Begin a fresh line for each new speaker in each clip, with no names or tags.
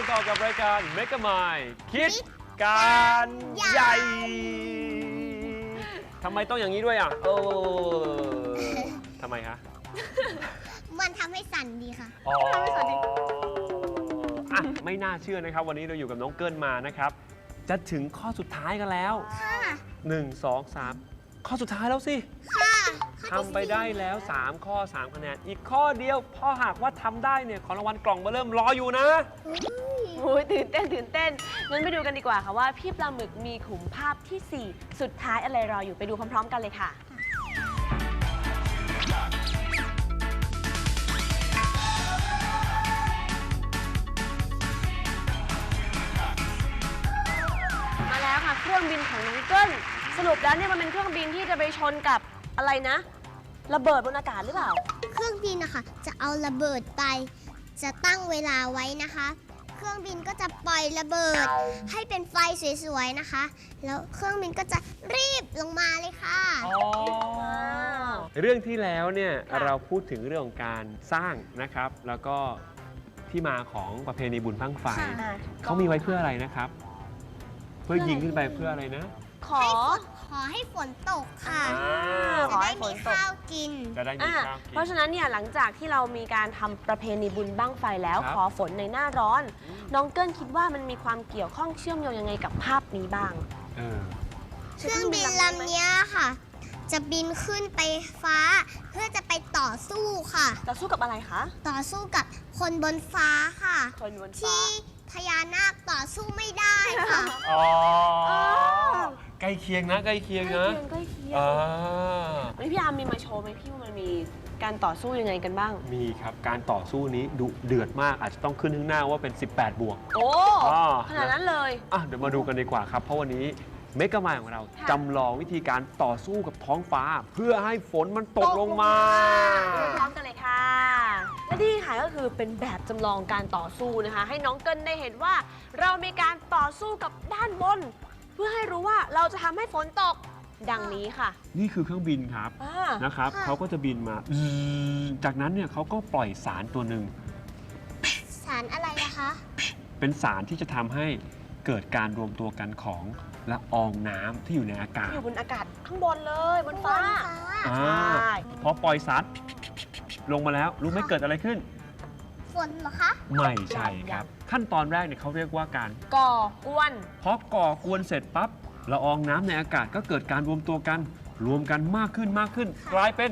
ต่อกับรายการ Mega Mind คิดการใหญ่ทำไมต้องอย่างนี้ด้วยอ่ะทำไมคะ
มันทำให้สั่นดีค่ะ
ทำให้สั่นดีอ่ะไม่น่าเชื่อนะครับวันนี้เราอยู่กับน้องเกิ้ลมานะครับจะถึงข้อสุดท้ายกันแล้ว1 2 3ข้อสุดท้ายแล้วสิทำไปได้แล้ว3ข้อ3คะแนนอีกข้อเดียวพอหากว่าทำได้เนี่ยของรางวัลกล่องมาเริ่มรออยู่นะ
โอ้ยตื่นเต้นงั้นไปดูกันดีกว่าค่ะว่าพี่ปลาหมึกมีขุมภาพที่ 4 สุดท้ายอะไรรออยู่ไปดูพร้อมๆกันเลยค่ะมาแล้วค่ะเครื่องบินของน้องเกิ้ลสรุปแล้วเนี่ยมันเป็นเครื่องบินที่จะไปชนกับอะไรนะระเบิดบนอากาศหรือเปล่า
เครื่องบินนะคะจะเอาระเบิดไปจะตั้งเวลาไว้นะคะเครื่องบินก็จะปล่อยระเบิดให้เป็นไฟสวยๆนะคะแล้วเครื่องบินก็จะรีบลงมาเลยค่ะ
เรื่องที่แล้วเนี่ยเราพูดถึงเรื่องของการสร้างนะครับแล้วก็ที่มาของประเพณีบุญบั้งไฟเขามีไว้เพื่ออะไรนะครับเพื่อยิงขึ้นไปเพื่ออะไรนะ
ขอให้ฝนตกค่ะ
จะ
ได้มีข้าวกิน
จะได้มีข้าวกิน
เพราะฉะนั้นเนี่ยหลังจากที่เรามีการทำประเพณีบุญบั้งไฟแล้วขอฝนในหน้าร้อนน้องเกิ้ลคิดว่ามันมีความเกี่ยวข้องเชื่อมโยงยังไงกับภาพนี้บ้าง
เครื่องบินลำนี้ค่ะจะบินขึ้นไปฟ้าเพื่อจะไปต่อสู้ค่ะ
ต่อสู้กับอะไรคะ
ต่อสู้กับคนบนฟ้าค่ะ
คนบนฟ้า
ที่พญานาคต่อสู้ไม่ได้ค่ะ
ใกล้เคียงนะใกล้เคียงนะ
ใกล้เคียงวันนี้พี่อาร์มมีมาโชว์ไหมพี่ว่ามันมีการต่อสู้ยังไงกันบ้าง
มีครับการต่อสู้นี้ดุเดือดมากอาจจะต้องขึ้นข้างหน้าว่าเป็น18 บวก
โอ้ขนาดนั้นเลย
เดี๋ยวมาดูกันดีกว่าครับเพราะวันนี้เมกะมายของเราจำลองวิธีการต่อสู้กับท้องฟ้าเพื่อให้ฝนมันตกลงมา
พร้อมกันเลยค่ะและนี่ค่ะก็คือเป็นแบบจำลองการต่อสู้นะคะให้น้องเกิ้ลได้เห็นว่าเรามีการต่อสู้กับด้านบนเพื่อให้รู้ว่าเราจะทำให้ฝนตกดังนี้ค่ะ
นี่คือเครื่องบินครับนะครับเขาก็จะบินมาจากนั้นเนี่ยเขาก็ปล่อยสารตัวหนึ่ง
สารอะไรนะคะ
เป็นสารที่จะทำให้เกิดการรวมตัวกันของละอองน้ำที่อยู่ในอากาศ
อยู่บนอากาศข้างบนเลยบนฟ้า
พอปล่อยสารลงมาแล้วรู้ไหมเกิดอะไรขึ้น
ฝนเหรอคะ
ไม่ใช่ครับขั้นตอนแรกเนี่ยเขาเรียกว่าการ
ก่อกวน
พอก่อกวนเสร็จปั๊บละอองน้ำในอากาศก็เกิดการรวมตัวกันรวมกันมากขึ้นกลายเป็น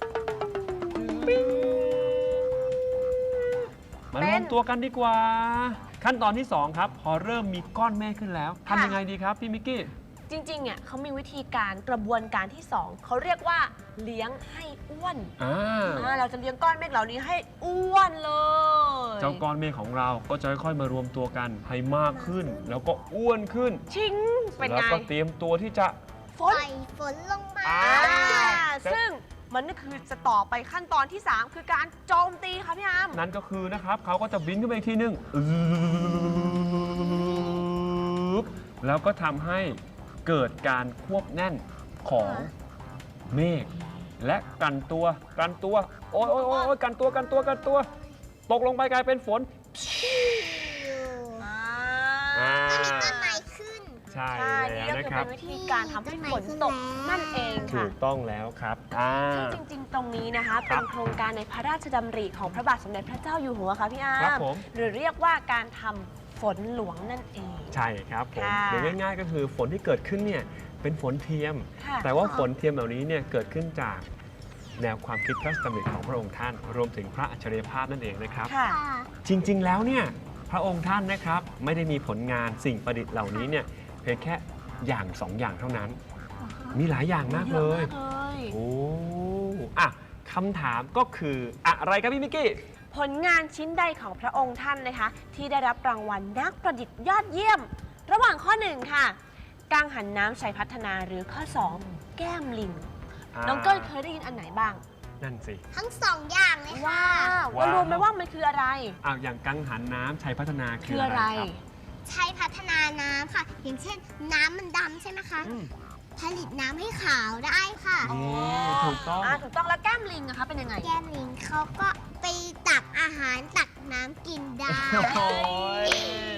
มารวมตัวกันดีกว่าขั้นตอนที่2ครับพอเริ่มมีก้อนเมฆขึ้นแล้วทำยังไงดีครับพี่มิกกี้
จริงๆเนี่ยเขามีวิธีการกระบวนการที่2เขาเรียกว่าเลี้ยงให้อ้วนเราจะเลี้ยงก้อนเมฆเหล่านี้ให้อ้วนเลย
เจ้าก้อนเมฆของเราก็จะค่อยๆมารวมตัวกันให้มากขึ้นแล้วก็อ้วนขึ้น
ชิงเป็นไง
แล้วก็เตรียมตัวที่จะ
ฝนลงมา
ซึ่งมันก็คือจะต่อไปขั้นตอนที่3คือการโจมตีค่ะพี่อาร์ม
นั่นก็คือนะครับเขาก็จะบินขึ้นไปอีกทีนึงแล้วก็ทำให้เกิดการควบแน่นของเมฆและกันตัวโอ้ยกันตัวตกลงไปกลายเป็นฝน
ก็มีต้นไม้ขึ้น
ใช่
นี่ก็คือเป็นวิธีการทำให้ฝนตกนั่นเองค่ะ
ถูกต้องแล้วครับ
ซึ่งจริงๆตรงนี้นะคะเป็นโครงการในพระราชดำริของพระบาทสมเด็จพระเจ้าอยู่หัวค่ะพี่อาร์มหรือเรียกว่าการทำฝนหลวงนั่นเอง
ใช่ครับผมหรือง่ายๆก็คือฝนที่เกิดขึ้นเนี่ยเป็นฝนเทียมแต่ว่าฝนเทียมเหล่านี้เนี่ยเกิดขึ้นจากแนวความคิดพระราชดำริของพระองค์ท่านรวมถึงพระอัจฉริยภาพนั่นเองนะครับจริงๆแล้วเนี่ยพระองค์ท่านนะครับไม่ได้มีผลงานสิ่งประดิษฐ์เหล่านี้เนี่ยเพียงแค่อย่าง2อย่างเท่านั้นมีหลายอย่างมากเลยโอ้คำถามก็คืออะไรครับพี่มิกกี้
ผลงานชิ้นใดของพระองค์ท่านนะคะที่ได้รับรางวัลนักประดิษฐ์ยอดเยี่ยมระหว่างข้อ1ค่ะกังหันน้ำชัยพัฒนาหรือข้อ2แก้มลิงน้องเกิ้ลเคยได้ยินอันไหนบ้าง
นั่นสิ
ทั้ง2อย่างเลยค่ะ
ว่ารู้ไหมว่ามันคืออะไร
อย่างกังหันน้ำชัยพัฒนาคืออะไรครับ
ชัยพัฒนาน้ำค่ะอย่างเช่นน้ำมันดำใช่ไหมคะผลิตน้ำให้ขาวได้ค่ะ
ถูกต้อง
แล้วแก้มลิงนะคะเป็นยังไง
แก้มลิงเขาก็ไปตักอาหารตักน้ำกินได้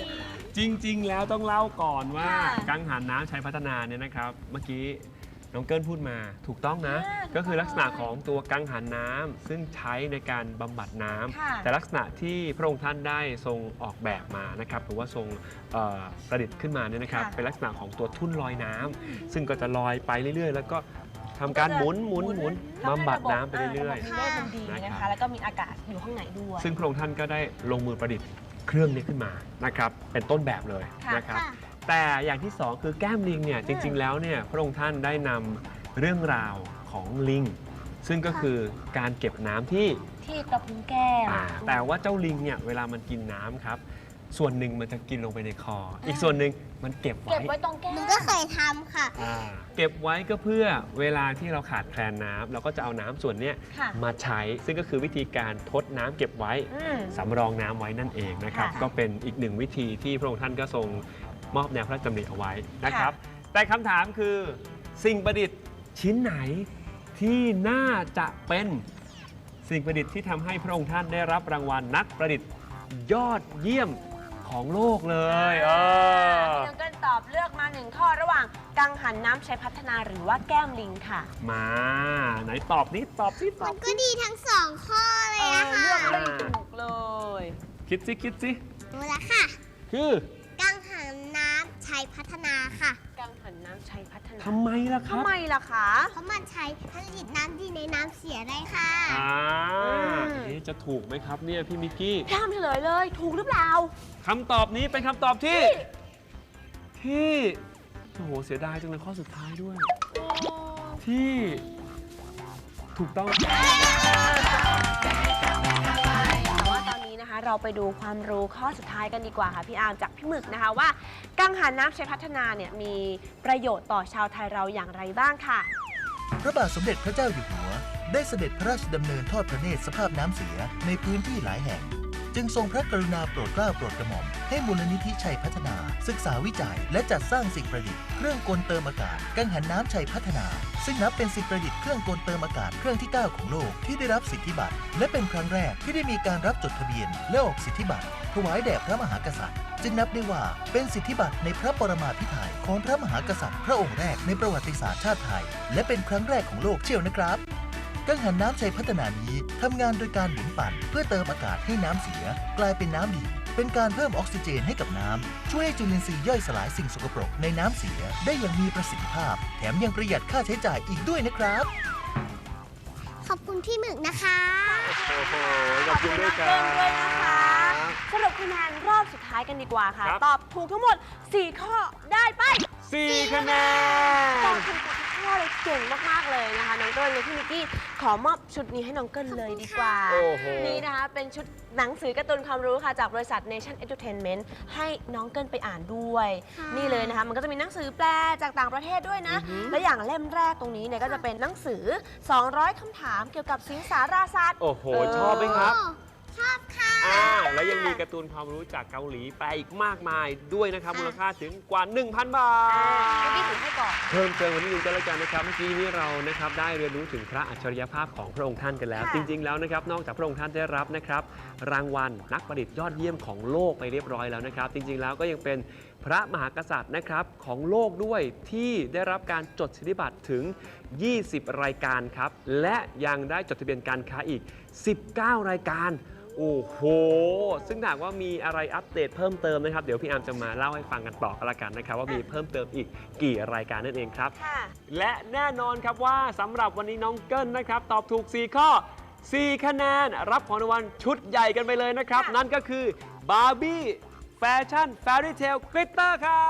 จริง ๆ แล้วต้องเล่าก่อนว่า
ค่ะ
กังหันน้ำชัยพัฒนาเนี่ยนะครับ เมื่อกี้น้องเกิลพูดมาถูกต้องนะ
ถูกต้อง
ก็คือลักษณะของตัวกังหันน้ำซึ่งใช้ในการบำบัดน้ำ
ค่ะ
แต่ลักษณะที่พระองค์ท่านได้ทรงออกแบบมานะครับหรือว่าทรงประดิษฐ์ขึ้นมาเนี่ยนะครับ
ค่ะ
เป็นลักษณะของตัวทุ่นลอยน้ำซึ่งก็จะลอยไปเรื่อยๆ แล้วก็ทำการหมุนบำบัดน้ำไปเรื่อย
ระบบนิเวศมันดีนะ
นะครั
คะ
บ
แล้วก็มีอากาศอยู่ข้างในด้วย
ซึ่งพระองค์ท่านก็ได้ลงมือประดิษฐ์เครื่องนี้ขึ้นมานะครับเป็นต้นแบบเลย
ค่ะ
นะครับ
ค่ะ
แต่อย่างที่สองคือแก้มลิงเนี่ยจริง ๆ แล้วเนี่ยพระองค์ท่านได้นำเรื่องราวของลิง ซึ่งก็คือการเก็บน้ำที่
ที่กระพุ้งแก้ม
แต่ว่าเจ้าลิงเนี่ยเวลามันกินน้ำครับ ส่วนหนึ่งมันจะกินลงไปในคอ อีกส่วนหนึ่งมันเก็บ
เก็บ
ไว้
ไว้ตรงแก้ม
หนูก็เคยทำค่ะ
เก็บไว้ก็เพื่อเวลาที่เราขาดแคลนน้ำเราก็จะเอาน้ำส่วนเนี้ย
ค่ะ
มาใช้ ซึ่งก็คือวิธีการทดน้ำเก็บไว้
อืม
สำรองน้ำไว้นั่นเองนะครับ
ค่ะ
ก็เป็นอีกหนึ่งวิธีที่พระองค์ท่านก็ทรงมอบแนวพระราชดำริเอาไว้นะครับ แต่คำถามคือสิ่งประดิษฐ์ชิ้นไหนที่น่าจะเป็นสิ่งประดิษฐ์ที่ทำให้พระองค์ท่านได้รับรางวัลนักประดิษฐ์ยอดเยี่ยมของโลกเลย
ให้น้องเกิลตอบเลือกมาหนึ่งข้อระหว่างกังหันน้ำชัยพัฒนาหรือว่าแก้มลิงค่ะ
มาไหนตอบนี้ตอบสิต
มั
อน บ
ก็ดีทั้งสองข้อเลยนะ
เลื
คะ
อกไม่ถูกเลย
คิดสิคิดสิ
รู้แล้วค่ะ
คือ
กังหันน้ำชัยพัฒนาค่ะ
กังหันน้ำชัยพัฒนา
ทำไมล่ะครั
ทำ
บ
ไมล่ะคะ
เพราะมันใช้ผลิตน้ำดีในน้ำเสียได้ค่ะ
เอ๊ะจะถูกไหมครับเนี่ยพี่มิกกี้
พี่ทำเฉลยเลย ถูกหรือเปล่า
คำตอบนี้เป็นคำตอบที่โอ้โหเสียดายจังเลยข้อสุดท้ายด้วย ที่ถูกต้อง
แต่ว่าตอนนี้นะคะเราไปดูความรู้ข้อสุดท้ายกันดีกว่าค่ะพี่อาร์มจากพี่หมึกนะคะว่ากังหันน้ำชัยพัฒนาเนี่ยมีประโยชน์ต่อชาวไทยเราอย่างไรบ้างค่ะ
พระบาทสมเด็จพระเจ้าอยู่หัว ได้เสด็จพระราชดำเนินทอดพระเนตรสภาพน้ำเสียในพื้นที่หลายแห่ง จึงทรงพระกรุณาโปรดเกล้าโปรดกระหม่อมให้มูลนิธิชัยพัฒนา ศึกษาวิจัย และจัดสร้างสิ่งประดิษฐ์เครื่องกลเติมอากาศกังหันน้ำชัยพัฒนา ซึ่งนับเป็นสิ่งประดิษฐ์เครื่องกลเติมอากาศเครื่องที่ 9 ของโลกที่ได้รับสิทธิบัตรและเป็นครั้งแรกที่ได้มีการรับจดทะเบียนและออกสิทธิบัตรถวายแด่พระมหากษัตริย์ จึงนับได้ว่าเป็นสิทธิบัตรในพระปรมาภิไธยของพระมหากษัตริย์พระองค์แรกในประวัติศาสตร์ชาติไทย และเป็นครั้งแรกของโลกเชียวนะครับ กังหันน้ำชัยพัฒนานี้ทำงานโดยการหมุนปั่นเพื่อเติมอากาศให้น้ำเสียกลายเป็นน้ำดีเป็นการเพิ่มออกซิเจนให้กับน้ำช่วยให้จุลินทรีย์ย่อยสลายสิ่งสกปรกในน้ำเสียได้อย่างมีประสิทธิภาพ แถมยังประหยัดค่าใช้จ่ายอีกด้วยนะครับ
ขอบคุณพี่หมึกนะคะ
โอ้โหขอบคุณด้วยครั
ขอบคุณด้วยนะคะ
บ
สรุปคะแนนรอบสุดท้ายกันดีกว่าค่ะ
ครับ
ตอบถูกทั้งหมด 4 ข้อได้ไป
4 คะแน
ตอน บถูกทุกข้อเลยเก่งมาก ๆ เลยนะคะน้องเกิลเลยพี่มิกกี้ขอมอบชุดนี้ให้น้องเกิลเลยดีกว่า
โอ้โห
นี่นะคะเป็นชุดหนังสือการ์ตูนความรู้ค่ะจากบริษัท Nation Entertainment ให้น้องเกิลไปอ่านด้วย
ค่ะ
นี่เลยนะคะมันก็จะมีหนังสือแปลจากต่างประเทศด้วยนะ และอย่างเล่มแรกตรงนี้เนี่ยก็จะเป็นหนังสือ 200 คำถามเกี่ยวกับสิงสาราสัตว์
โอ้โห ชอบไหมครับ
ชอบค่ะ
แล้วยังมีการ์ตูนความรู้จากเกาหลีแปลอีกมากมายด้วยนะครับ มูลค่าถึงกว่า 1,000 บาท
พี่ถือให้ก่อน
เพิ่มเติมวันนี้นึงก็แล้วกันนะครับ เมื่อกี้นี้เรานะครับได้เรียนรู้ถึงพระอัจฉริยภาพของพระองค์ท่านกันแล้ว
ค่ะ
จริง ๆ แล้วนะครับนอกจากพระองค์ท่านได้รับนะครับรางวัลนักประดิษฐ์ยอดเยี่ยมของโลกไปเรียบร้อยแล้วนะครับ จริง ๆ แล้วก็ยังเป็นพระมหากษัตริย์นะครับของโลกด้วยที่ได้รับการจดสิทธิบัตรถึง 20 รายการครับและยังได้จดทะเบียนการค้าอีก 19 รายการ โอ้โห ซึ่งหากว่ามีอะไรอัปเดตเพิ่มเติมนะครับ เดี๋ยวพี่อาร์มจะมาเล่าให้ฟังกันต่อกันละกันนะครับ ว่ามีเพิ่มเติมอีกกี่รายการนั่นเองครับ
ค่ะ
และแน่นอนครับว่าสำหรับวันนี้น้องเกิ้ลนะครับ ตอบถูก 4 ข้อ 4 คะแนน รับของรางวัลชุดใหญ่กันไปเลยนะครับ
ค่ะ
นั่นก็คือบาร์บี้แฟชั่นแฟรี่เทลกลิตเตอร์ครับ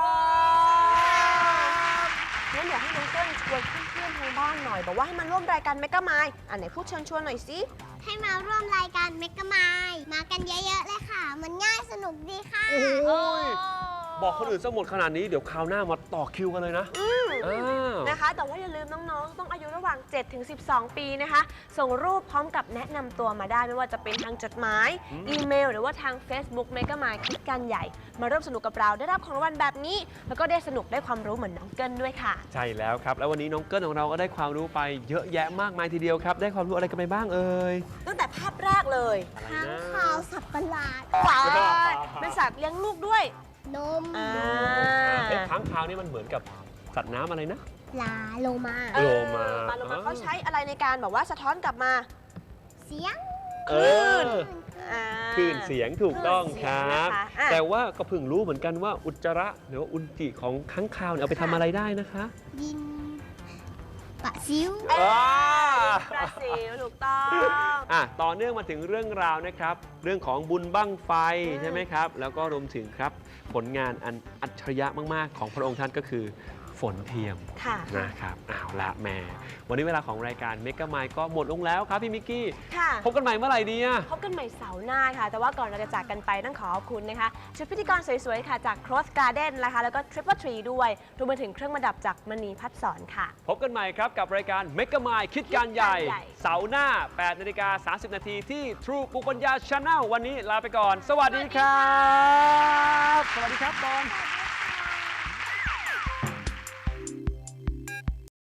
งั้นเดี๋ยวให้น้องเกิ้ลชวนเพื่อนๆทางบ้านหน่อยบอกว่าให้มาร่วมรายการเมกะไมล์อันไหนพูดเชิญชวนหน่อยสิ
ให้มาร่วมรายการเมกะไมล์มากันเยอะๆเลยค่ะ มันง่ายสนุกดีค่ะ
โอ้ย บอกคนอื่นซะหมดขนาดนี้เดี๋ยวคราวหน้ามาต่อคิวกันเลยนะอ้าว
นะคะ แต่ว่าอย่าลืมน้องๆ ต้องอายุระหว่าง 7 ถึง 12 ปีนะคะ ส่งรูปพร้อมกับแนะนำตัวมาได้ไม่ว่าจะเป็นทางจดหมาย อีเมล หรือว่าทาง Facebook เมกะไมล์คิดกันใหญ่ มาร่วมสนุกกับเราได้รับของรางวัลแบบนี้ แล้วก็ได้สนุกได้ความรู้เหมือนน้องเกิลด้วยค่ะ
ใช่แล้วครับ แล้ววันนี้น้องเกิ้ลของเราก็ได้ความรู้ไปเยอะแยะมากมายทีเดียวครับ ได้ความรู้อะไรกันไปบ้างเอ่ย
ตั้งแต่ภาพแรกเลย
อะไร
ทั้ง
นะ
ข่าวสัตว์ประหลาด
ว้าวเป็นสัตว์เลี้ยงลูกด้วย
นม
ค้างคาวนี่มันเหมือนกับสัตว์น้ำอะไรนะ
ปลาโลมา
เออ
โลมา
ปลาโลมาเขาใช้อะไรในการแบบว่าสะท้อนกลับมา
เสียง
เออ
อ่า
คลื่นเสียงถูกต้องครับ
คลื่นเสียงนะคะอ่ะ
แต่ว่าก็เพิ่งรู้เหมือนกันว่าอุจจาระหรือว่าอุจจิของค้างคาวเนี่ยเอาไปทำอะไรได้นะคะ
ดินปะซิว
บราซิลถูกต้อง
ต่อเนื่องมาถึงเรื่องราวนะครับ เรื่องของบุญบั้งไฟใช่ไหมครับ แล้วก็รวมถึงครับผลงานอันอัจฉริยะมากๆ ของพระองค์ท่านก็คือฝนเทียม
ค่ะ
นะครับเอาละแหม่วันนี้เวลาของรายการเมกะไมค์ก็หมดลงแล้วครับพี่มิกกี้
ค่ะ
พบกันใหม่เมื่อไหร่ดีอะ
พบกันใหม่เสาร์หน้าค่ะ แต่ว่าก่อนเราจะจากกันไปต้องขอขอบคุณนะคะชุดพิธีกรสวยๆค่ะจาก Cross Garden นะคะแล้วก็ Triple Tree ด้วยรวมไปถึงเครื่องประดับจากมณีพัฒสอนค่ะ
พบกันใหม่ครับกับรายการเมกะไมค์คิดการใหญ่
คิดการใหญ่
เสาร์หน้า 8:30 นาทีที่ True ปุปัญญา Channel วันนี้ลาไปก่อน สวัสดีครับ สวัสดีครับบอล